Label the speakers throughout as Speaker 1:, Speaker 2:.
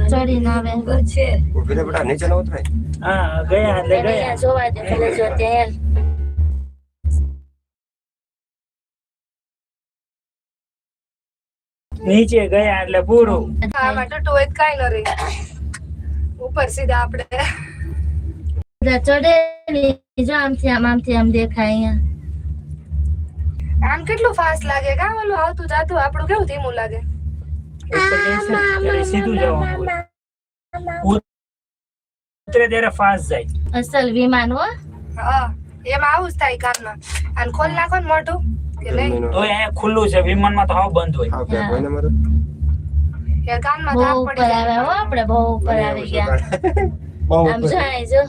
Speaker 1: ચડી ના આવે છે
Speaker 2: ઉભી રે બેટા નીચે ન ઉતરાય
Speaker 3: હા ગયા એટલે ગયા
Speaker 1: અહીંયા જોવા દે ભલે જો ત્યાં
Speaker 3: નીચે ગયા એટલે પૂરું
Speaker 4: આમાં ટૂટું હોય તો કાંઈ ન રહે ઉપર સીધા આપણે
Speaker 1: ચડે જો આમથી આમ દેખાય અહીંયા
Speaker 4: આમ કેટલું ફાસ્ટ લાગે કા ઓલું આવતું જાતું આપણું કેવું ધીમું લાગે
Speaker 3: ઉપર જઈશું ત્યારે સીધું જવાનું ઉતરે ત્યારે ફાસ્ટ જાય
Speaker 1: અસલ વિમાન હો
Speaker 4: હા એમાં આવું જ થાય કાનમાં અને ખોલ નાખો ને મોટું કે નહીં
Speaker 3: તો અહીંયા ખુલ્લું છે વિમાનમાં તો હાવ બંધ હોય
Speaker 2: હા કે કોઈને મારું
Speaker 4: એ કાનમાં
Speaker 1: બહુ
Speaker 4: ધાક
Speaker 1: ઉપર
Speaker 4: પડી
Speaker 1: આવે
Speaker 4: જાય
Speaker 1: હો આપણે બહુ ઉપર આવી ગયા
Speaker 2: બહુ
Speaker 1: આમ જાય જો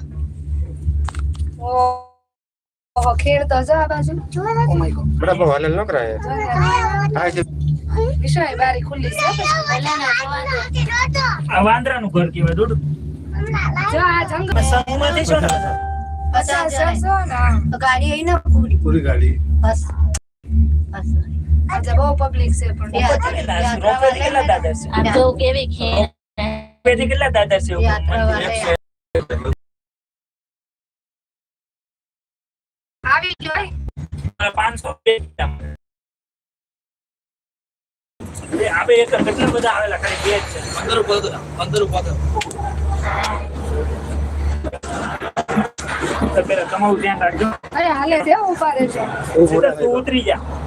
Speaker 4: ઓહો ખેડ તો જો આ બાજુ
Speaker 2: બેટા બહુ હાલેલ ન કરાય હા છે
Speaker 4: વિશાળ બારી ખુલ્લી છે
Speaker 1: પહેલાના જોવા દે
Speaker 3: આ વાંદરાનું ઘર કહેવાય દોડ
Speaker 4: જો આ જંગલ
Speaker 3: સમૂહમાંથી છો ને
Speaker 4: અસર સરસો ના
Speaker 1: ગાડી અહીં ના
Speaker 2: પૂરી ગાડી
Speaker 1: બસ બસ
Speaker 4: આજે બહુ પબ્લિક છે પણ
Speaker 3: રોપવેથી કેટલા દાદર છે
Speaker 1: આમ જો કેવી ખેર
Speaker 3: રોપવેથી કેટલા દાદર છે ઉપર?
Speaker 4: આવી ગયો
Speaker 3: 500 આપણે એક કેટલા બધા આવેલા ખાલી બે જ છે 15 તો પેલા તમારું ધ્યાન રાખજો
Speaker 4: અરે હાલે છે ઉભા રહેજો
Speaker 3: સીધા તું ઉતરી જા